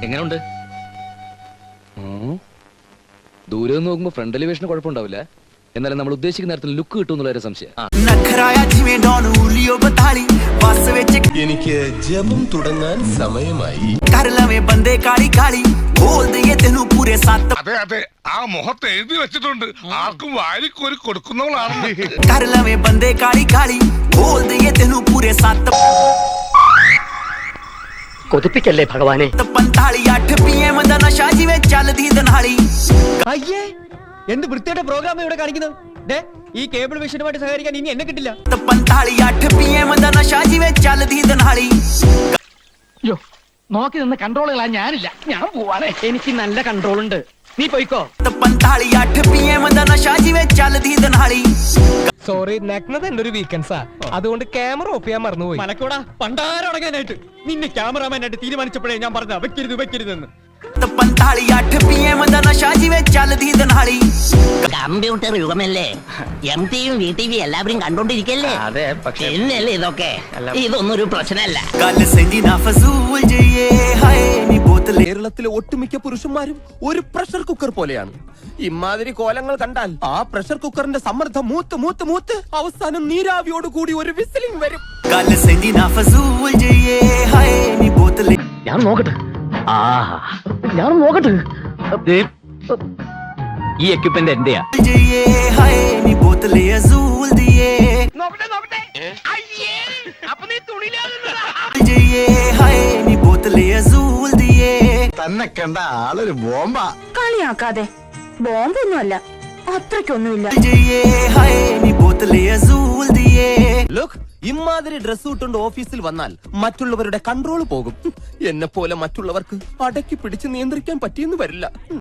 എങ്ങനെയുണ്ട്? ദൂരെ നിന്ന് നോക്കുമ്പോ ഫ്രണ്ട് എലിവേഷന് കുഴപ്പമുണ്ടാവില്ല. എന്നാലും നമ്മൾ ഉദ്ദേശിക്കുന്ന നേരത്തിൽ ലുക്ക് കിട്ടുമെന്നുള്ള സംശയം. എനിക്ക് ജപം തുടങ്ങാൻ സമയമായി. അതെ അതെ, ആ മുഖത്ത് എഴുതി വെച്ചിട്ടുണ്ട്, ആർക്കും വാരിക്കോരി കൊടുക്കുന്നവളാണ്. കൊതിപ്പിക്കല്ലേ ഭഗവാനെ. അയ്യേ, എന്ത് വൃത്തിയുടെ പ്രോഗ്രാം ഇവിടെ കാണിക്കുന്നത്? ഈ കേബിൾ വിഷനുമായിട്ട് സഹകരിക്കാൻ ഇനി എന്നെ കിട്ടില്ല. നോക്കി നിന്ന് കൺട്രോളുകളാ ഞാനില്ല. ഞാൻ പോവാണേ, എനിക്ക് നല്ല കൺട്രോൾ ഉണ്ട്. നീ പോയിക്കോ. സോറി, നഗ്നത എന്റെ ഒരു വീക്കെൻഡ്സാ, അതുകൊണ്ട് ക്യാമറ ഓഫ് ചെയ്യാൻ മറന്നുപോയി. മലക്കൂടാ പണ്ടാരടങ്ങാനായിട്ട് നിന്നെ ക്യാമറാമാനായിട്ട് തീരുമാനിച്ചപ്പോഴേ ഞാൻ പറഞ്ഞ വെക്കരുത് വെക്കരുതെന്ന്. കമ്പ്യൂട്ടർ യുഗമല്ലേ, MTV VTV എല്ലാവരും കണ്ടോണ്ടിരിക്കല്ലേ. അതെ, പക്ഷേ എന്നല്ലേ ഇതൊക്കെ, ഇതൊന്നും ഒരു പ്രശ്നമല്ല. കേരളത്തിലെ ഒട്ടുമിക്ക പുരുഷന്മാരും ഒരു പ്രഷർ കുക്കർ പോലെയാണ്. ഇമാതിരി കോലങ്ങൾ കണ്ടാൽ ആ പ്രഷർ കുക്കറിന്റെ സമ്മർദ്ദം മൂത്ത് മൂത്ത് മൂത്ത് അവസാനം നീരാവിയോട് കൂടി ഒരു വിസിലിംഗ് വരും. ഞാൻ നോക്കട്ടെ. ഞാൻ നോക്കട്ടെ. ഈ എക്യുപ്മെന്റ് എന്റെയാ. തന്നെ കണ്ട ആളൊരു ബോംബാ. കളിയാക്കാതെ, ബോംബൊന്നുമല്ല, അത്രയ്ക്കൊന്നുമില്ല. ലുക്ക്, ഇമാതിരി ഡ്രസ് ഇട്ടുകൊണ്ട് ഓഫീസിൽ വന്നാൽ മറ്റുള്ളവരുടെ കൺട്രോൾ പോകും. എന്നെ പോലെ മറ്റുള്ളവർക്ക് അടക്കി പിടിച്ച് നിയന്ത്രിക്കാൻ പറ്റിയെന്ന് വരില്ല.